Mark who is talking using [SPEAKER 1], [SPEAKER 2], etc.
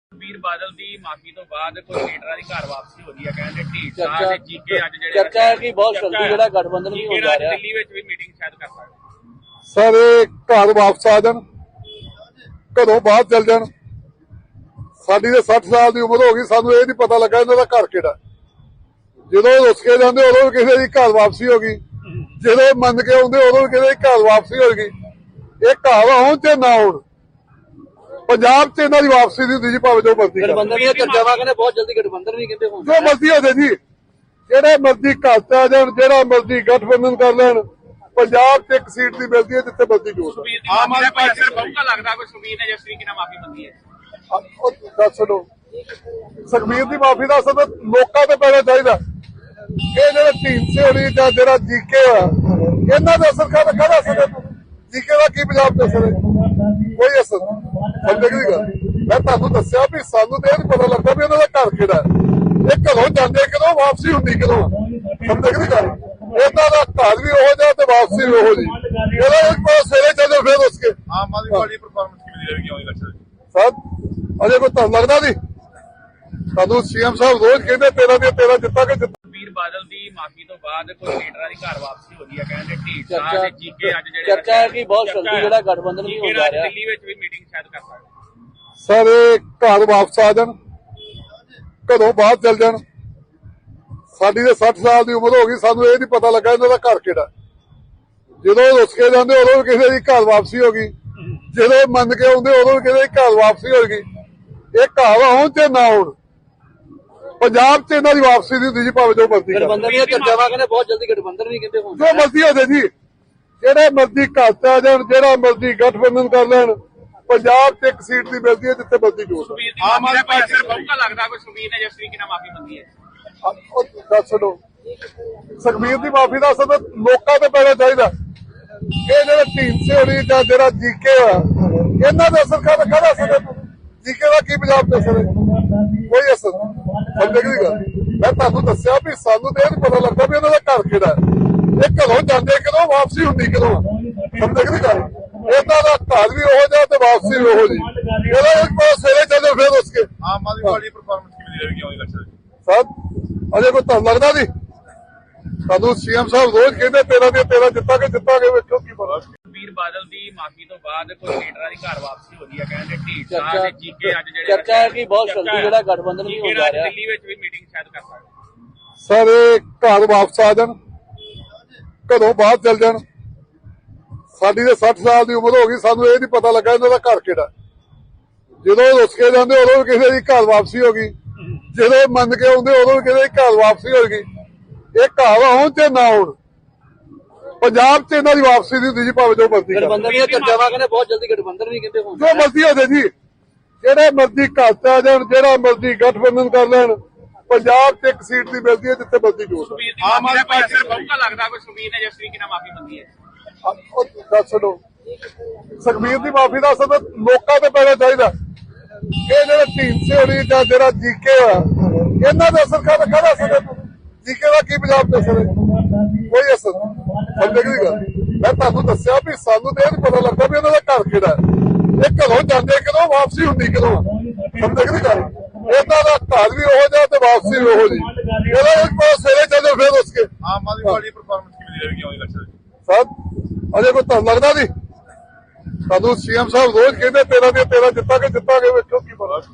[SPEAKER 1] ਸੁਖਬੀਰ ਬਾਦਲ ਦੀ ਮਾਫੀ ਤੋਂ ਬਾਅਦ ਕੋਈ ਲੀਡਰਾਂ ਦੀ ਘਰ ਵਾਪਸੀ ਹੋ ਰਹੀ ਹੈ। ਕਹਿੰਦੇ ਢੀਂਡਸਾ ਤੇ ਜੀਕੇ ਅੱਜ ਜਿਹੜੇ
[SPEAKER 2] ਚਰਚਾ ਹੈ ਕਿ ਬਹੁਤ ਜਲਦੀ ਜਿਹੜਾ ਗਠਬੰਧਨ ਵੀ ਹੋ ਜਾ ਰਿਹਾ
[SPEAKER 1] ਦਿੱਲੀ ਵਿੱਚ ਵੀ ਮੀਟਿੰਗ ਸ਼ਾਇਦ ਕਰ ਸਕਦੇ।
[SPEAKER 3] ਸਰ ਇਹ ਘਰ ਵਾਪਸ ਆ ਜਾਣ, ਘਰੋਂ ਬਾਹਰ ਚਲ ਜਾਣ। ਸਾਡੀ ਤੇ 60 ਸਾਲ ਦੀ ਉਮਰ ਹੋ ਗਈ, ਸਾਨੂੰ ਇਹ ਨਹੀਂ ਪਤਾ ਲੱਗਾ ਇਹਨਾਂ ਦਾ ਘਰ ਕਿਹੜਾ। ਜਦੋਂ ਰੁੱਸ ਕੇ ਜਾਂਦੇ ਉਦੋਂ ਵੀ ਕਿਸੇ ਦੀ ਘਰ ਵਾਪਸੀ ਹੋ ਗਈ, ਜਦੋਂ ਮੰਨ ਕੇ ਆਉਂਦੇ ਉਦੋਂ ਵੀ ਕਿਸੇ ਦੀ ਘਰ ਵਾਪਸੀ ਹੋ ਗਈ। ਇਹ ਘਰ ਆਉਣ ਤੇ ਨਾ ਆਉਣ, ਪੰਜਾਬ 'ਚ ਇਹਨਾਂ ਦੀ ਵਾਪਸੀ ਨਹੀਂ ਹੁੰਦੀ ਜੀ, ਭਾਵੇਂ ਜੋ ਮਰਜ਼ੀ
[SPEAKER 2] ਗਠਬੰਧਨ ਦੀਆਂ ਚਰਚਾਵਾਂ ਕਹਿੰਦੇ ਬਹੁਤ ਜਲਦੀ ਗਠਬੰਧਨ ਵੀ ਕਹਿੰਦੇ ਹੋਣ
[SPEAKER 3] ਜੋ ਮਰਜ਼ੀ ਹੋ ਜਾਏ ਜੀ, ਜਿਹੜੇ ਮਰਜ਼ੀ ਘਰ 'ਚ ਆ ਜਾਣ, ਜਿਹੜਾ ਮਰਜ਼ੀ ਗਠਬੰਧਨ ਕਰ ਲੈਣ। ਪੰਜਾਬ 'ਚ ਇੱਕ ਸੀਟ ਦੀ ਮਿਲਦੀ ਹੈ ਜਿੱਥੇ ਮਰਜ਼ੀ ਜੋੜ।
[SPEAKER 1] ਆਮ ਆਦਮੀ ਪਾਰਟੀ ਦਾ ਬਹੁਤਾ ਲੱਗਦਾ ਕੋਈ ਸੁਖਬੀਰ ਨੇ ਜਿਸ ਤਰੀਕੇ ਨਾਲ ਮਾਫੀ ਮੰਗੀ ਹੈ।
[SPEAKER 3] ਦੱਸ ਦੋ ਸੁਖਬੀਰ ਦੀ ਮਾਫੀ ਦਾ ਸਭ ਲੋਕਾਂ ਤੇ ਪੈਣਾ ਚਾਹੀਦਾ। ਇਹ ਜਿਹੜੇ ਢੀਂਡਸੇ ਹੋਣੀ ਜਾਂ ਜਿਹੜਾ ਜੀਕੇ ਆ, ਇਹਨਾਂ ਦਾ ਅਸਰ ਕਾਹਦਾ ਅਸਰ ਹੈ? ਜੀਕੇ ਦਾ ਕੀ ਪੰਜਾਬ ਤੇ ਅਸਰ ਹੈ? ਕੋਈ ਅਸਰ ਸਮਝੇ ਦੀ ਗੱਲ। ਮੈਂ ਤੁਹਾਨੂੰ ਦੱਸਿਆ ਵੀ ਸਾਨੂੰ ਤੇ ਇਹ ਪਤਾ ਲੱਗਦਾ ਵੀ ਇਹਨਾਂ ਦਾ ਘਰ ਕਿਹੜਾ। ਇਹ ਘਰੋਂ ਜਾਂਦੇ ਕਦੋਂ, ਵਾਪਸੀ ਹੁੰਦੀ ਕਦੋਂ? ਸਮਝੇ ਦੀ ਗੱਲ। ਇਹਨਾਂ ਦਾ ਘਰ ਵੀ ਉਹੋ ਜਿਹਾ ਤੇ ਵਾਪਸੀ ਵੀ ਉਹੋ ਜਿਹੀ। ਇਹਦਾ ਇੱਕ ਪਾਸੇ ਸਵੇਰੇ ਚੱਲੇ ਫਿਰ ਉਸ ਕੇ
[SPEAKER 4] ਆਮ ਆਦਮੀ ਪਾਰਟੀ ਪਰਫਾਰਮੈਂਸ ਕਿਵੇਂ ਰਹੇਗੀ ਆਉਣੀ ਇਲੈਕਸ਼ਨ?
[SPEAKER 3] ਸਰ ਅਜੇ ਕੋਈ ਤੁਹਾਨੂੰ ਲੱਗਦਾ ਨਹੀਂ? ਸਾਨੂੰ ਸੀਐਮ ਸਾਹਿਬ ਰੋਜ਼ ਕਹਿੰਦੇ 13 ਜਿੱਤਾਂਗੇ।
[SPEAKER 1] ਸੁਖਬੀਰ ਬਾਦਲ ਦੀ ਮਾਫੀ ਤੋਂ ਬਾਅਦ ਕੋਈ ਲੀਡਰਾਂ ਦੀ ਘਰ ਵਾਪਸੀ ਹੋ ਰਹੀ ਹੈ। ਕਹਿੰਦੇ ਢੀਂਡਸਾ ਤੇ ਜੀਕੇ ਅੱਜ ਜਿਹੜੇ
[SPEAKER 2] ਚਰਚਾ ਹੈ ਕਿ ਬਹੁਤ ਜਲਦੀ ਜਿਹੜਾ ਗਠਬੰਧਨ ਵੀ ਹੋ ਜਾ ਰਿਹਾ।
[SPEAKER 1] ਦਿੱਲੀ ਵਿੱਚ ਵੀ ਮੀਟਿੰਗ ਸ਼ਾਇਦ ਕਰ ਸਕਦੇ।
[SPEAKER 3] ਸਰ ਇਹ ਘਰ ਵਾਪਸ ਆ ਜਾਣ, ਘਰੋਂ ਬਾਹਰ ਚਲ ਜਾਣ। ਸਾਡੀ ਤੇ 60 ਸਾਲ ਦੀ ਉਮਰ ਹੋ ਗਈ, ਸਾਨੂੰ ਇਹ ਨਹੀਂ ਪਤਾ ਲੱਗਾ ਇਹਨਾਂ ਦਾ ਘਰ ਕਿਹੜਾ। ਜਦੋਂ ਰੁੱਸ ਕੇ ਜਾਂਦੇ ਉਦੋਂ ਵੀ ਕਿਸੇ ਦੀ ਘਰ ਵਾਪਸੀ ਹੋ ਗਈ, ਜਦੋਂ ਮੰਨ ਕੇ ਆਉਂਦੇ ਉਦੋਂ ਵੀ ਕਿਸੇ ਦੀ ਘਰ ਵਾਪਸੀ ਹੋ ਗਈ। ਇਹ ਘਰ ਆਉਣ ਤੇ ਨਾ ਆਉਣ, ਪੰਜਾਬ 'ਚ ਇਹਨਾਂ ਦੀ ਵਾਪਸੀ ਨਹੀਂ ਹੁੰਦੀ ਜੀ, ਭਾਵੇਂ ਜੋ ਮਰਜ਼ੀ
[SPEAKER 2] ਗਠਬੰਧਨ ਦੀਆਂ ਚਰਚਾਵਾਂ ਕਹਿੰਦੇ ਬਹੁਤ ਜਲਦੀ ਗਠਬੰਧਨ ਵੀ ਕਹਿੰਦੇ ਹੋਣ
[SPEAKER 3] ਜੋ ਮਰਜ਼ੀ ਹੋ ਜਾਏ ਜੀ, ਜਿਹੜੇ ਮਰਜ਼ੀ ਘਰ 'ਚ ਆ ਜਾਣ, ਜਿਹੜਾ ਮਰਜ਼ੀ ਗਠਬੰਧਨ ਕਰ ਲੈਣ। ਪੰਜਾਬ 'ਚ ਇੱਕ ਸੀਟ ਦੀ ਮਿਲਦੀ ਹੈ ਜਿੱਥੇ ਮਰਜ਼ੀ ਜੋੜ।
[SPEAKER 1] ਆਮ ਆਦਮੀ ਪਾਰਟੀ ਦਾ ਬਹੁਤਾ ਲੱਗਦਾ ਕੋਈ ਸੁਖਬੀਰ ਨੇ ਜਿਸ ਤਰੀਕੇ ਨਾਲ ਮਾਫੀ ਮੰਗੀ ਹੈ।
[SPEAKER 3] ਦੱਸ ਦੋ ਸੁਖਬੀਰ ਦੀ ਮਾਫੀ ਦਾ ਸਭ ਲੋਕਾਂ ਤੇ ਪੈਣਾ ਚਾਹੀਦਾ। ਇਹ ਜਿਹੜੇ ਢੀਂਡਸੇ ਹੋਣੀ ਜਾਂ ਜਿਹੜਾ ਜੀਕੇ ਆ, ਇਹਨਾਂ ਦਾ ਅਸਰ ਕਾਹਦਾ ਅਸਰ ਹੈ? ਜੀਕੇ ਦਾ ਕੀ ਪੰਜਾਬ ਤੇ ਅਸਰ ਹੈ? ਕੋਈ ਅਸਰ ਸਮਝੇ ਦੀ ਗੱਲ। ਮੈਂ ਤੁਹਾਨੂੰ ਦੱਸਿਆ ਵੀ ਸਾਨੂੰ ਤੇ ਇਹ ਨਹੀਂ ਪਤਾ ਲੱਗਦਾ ਵੀ ਇਹਨਾਂ ਦਾ ਘਰ ਕਿਹੜਾ। ਇਹ ਘਰੋਂ ਜਾਂਦੇ ਕਦੋਂ, ਵਾਪਸੀ ਹੁੰਦੀ ਕਦੋਂ? ਸਮਝੇ ਦੀ ਗੱਲ। ਇਹਨਾਂ ਦਾ ਘਰ ਵੀ ਉਹੋ ਜਿਹਾ ਤੇ ਵਾਪਸੀ ਵੀ ਉਹੋ ਜਿਹੀ। ਇਹਦਾ ਇੱਕ ਪਾਸੇ ਸਵੇਰੇ ਚੱਲੇ ਫਿਰ ਉਸ ਕੇ
[SPEAKER 4] ਆਮ ਆਦਮੀ ਪਾਰਟੀ ਪਰਫਾਰਮੈਂਸ ਕਿਵੇਂ ਰਹੇਗੀ ਆਉਣੀ ਇਲੈਕਸ਼ਨ?
[SPEAKER 3] ਸਰ ਅਜੇ ਕੋਈ ਤੁਹਾਨੂੰ ਲੱਗਦਾ ਨਹੀਂ? ਸਾਨੂੰ ਸੀਐਮ ਸਾਹਿਬ ਰੋਜ਼ ਕਹਿੰਦੇ 13 ਜਿੱਤਾਂਗੇ। ਵੇਖੋ ਕੀ ਪਤਾ।
[SPEAKER 1] ਸੁਖਬੀਰ ਬਾਦਲ ਦੀ ਮਾਫੀ ਤੋਂ ਬਾਅਦ ਕੋਈ ਲੀਡਰਾਂ ਦੀ ਘਰ ਵਾਪਸੀ ਹੋ ਰਹੀ ਹੈ। ਕਹਿੰਦੇ ਢੀਂਡਸਾ ਤੇ ਜੀਕੇ ਅੱਜ ਜਿਹੜੇ
[SPEAKER 2] ਚਰਚਾ ਹੈ ਕਿ ਬਹੁਤ ਜਲਦੀ ਜਿਹੜਾ ਗਠਬੰਧਨ ਵੀ ਹੋ ਜਾ ਰਿਹਾ।
[SPEAKER 1] ਦਿੱਲੀ ਵਿੱਚ ਵੀ ਮੀਟਿੰਗ ਸ਼ਾਇਦ ਕਰ ਸਕਦੇ।
[SPEAKER 3] ਸਰ ਇਹ ਘਰ ਵਾਪਸ ਆ ਜਾਣ, ਘਰੋਂ ਬਾਹਰ ਚਲ ਜਾਣ। ਸਾਡੀ ਤੇ 60 ਸਾਲ ਦੀ ਉਮਰ ਹੋ ਗਈ, ਸਾਨੂੰ ਇਹ ਨਹੀਂ ਪਤਾ ਲੱਗਾ ਇਹਨਾਂ ਦਾ ਘਰ ਕਿਹੜਾ। ਜਦੋਂ ਰੁੱਸ ਕੇ ਜਾਂਦੇ ਉਦੋਂ ਵੀ ਕਿਸੇ ਦੀ ਘਰ ਵਾਪਸੀ ਹੋ ਗਈ, ਜਦੋਂ ਮੰਨ ਕੇ ਆਉਂਦੇ ਉਦੋਂ ਵੀ ਕਿਸੇ ਦੀ ਘਰ ਵਾਪਸੀ ਹੋ ਗਈ। ਇਹ ਘਰ ਆਉਣ ਤੇ ਨਾ ਆਉਣ, ਪੰਜਾਬ 'ਚ ਇਹਨਾਂ ਦੀ ਵਾਪਸੀ ਨਹੀਂ ਹੁੰਦੀ ਜੀ, ਭਾਵੇਂ ਜੋ ਮਰਜ਼ੀ
[SPEAKER 2] ਗਠਬੰਧਨ ਦੀਆਂ ਚਰਚਾਵਾਂ ਕਹਿੰਦੇ ਬਹੁਤ ਜਲਦੀ ਗਠਬੰਧਨ ਵੀ ਕਹਿੰਦੇ ਹੋਣ
[SPEAKER 3] ਜੋ ਮਰਜ਼ੀ ਹੋ ਜਾਏ ਜੀ, ਜਿਹੜੇ ਮਰਜ਼ੀ ਘਰ 'ਚ ਆ ਜਾਣ, ਜਿਹੜਾ ਮਰਜ਼ੀ ਗਠਬੰਧਨ ਕਰ ਲੈਣ। ਪੰਜਾਬ 'ਚ ਇੱਕ ਸੀਟ ਦੀ ਮਿਲਦੀ ਹੈ ਜਿੱਥੇ ਮਰਜ਼ੀ ਜੋੜ।
[SPEAKER 1] ਆਮ ਆਦਮੀ ਪਾਰਟੀ ਦਾ ਬਹੁਤਾ ਲੱਗਦਾ ਕੋਈ ਸੁਖਬੀਰ ਨੇ ਜਿਸ ਤਰੀਕੇ ਨਾਲ ਮਾਫੀ ਮੰਗੀ ਹੈ।
[SPEAKER 3] ਦੱਸ ਦੋ ਸੁਖਬੀਰ ਦੀ ਮਾਫੀ ਦਾ ਸਭ ਲੋਕਾਂ ਤੇ ਪੈਣਾ ਚਾਹੀਦਾ। ਇਹ ਜਿਹੜੇ ਢੀਂਡਸੇ ਹੋਣੀ ਜਾਂ ਜਿਹੜਾ ਜੀਕੇ ਆ, ਇਹਨਾਂ ਦਾ ਅਸਰ ਕਾਹਦਾ ਅਸਰ ਹੈ? ਜੀਕੇ ਦਾ ਕੀ ਪੰਜਾਬ ਤੇ ਅਸਰ ਹੈ? ਕੋਈ ਅਸਰ ਸਮਝੇ ਦੀ ਗੱਲ। ਮੈਂ ਤੁਹਾਨੂੰ ਦੱਸਿਆ ਵੀ ਸਾਨੂੰ ਤੇ ਇਹ ਨਹੀਂ ਪਤਾ ਲੱਗਦਾ ਵੀ ਇਹਨਾਂ ਦਾ ਘਰ ਕਿਹੜਾ। ਇਹ ਘਰੋਂ ਜਾਂਦੇ ਕਦੋਂ, ਵਾਪਸੀ ਹੁੰਦੀ ਕਦੋਂ? ਸਮਝੇ ਦੀ ਗੱਲ। ਇਹਨਾਂ ਦਾ ਘਰ ਵੀ ਉਹੋ ਜਿਹਾ ਤੇ ਵਾਪਸੀ ਵੀ ਉਹੋ ਜਿਹੀ। ਇਹਦਾ ਇੱਕ ਪਾਸੇ ਸਵੇਰੇ ਚੱਲੇ ਫਿਰ ਉਸ ਕੇ
[SPEAKER 4] ਆਮ ਆਦਮੀ ਪਾਰਟੀ ਪਰਫਾਰਮੈਂਸ ਕਿਵੇਂ ਰਹੇਗੀ ਆਉਣੀ ਇਲੈਕਸ਼ਨ?
[SPEAKER 3] ਸਰ ਅਜੇ ਕੋਈ ਤੁਹਾਨੂੰ ਲੱਗਦਾ ਨਹੀਂ? ਸਾਨੂੰ ਸੀਐਮ ਸਾਹਿਬ ਰੋਜ਼ ਕਹਿੰਦੇ 13 ਜਿੱਤਾਂਗੇ। ਵੇਖੋ ਕੀ ਪਤਾ।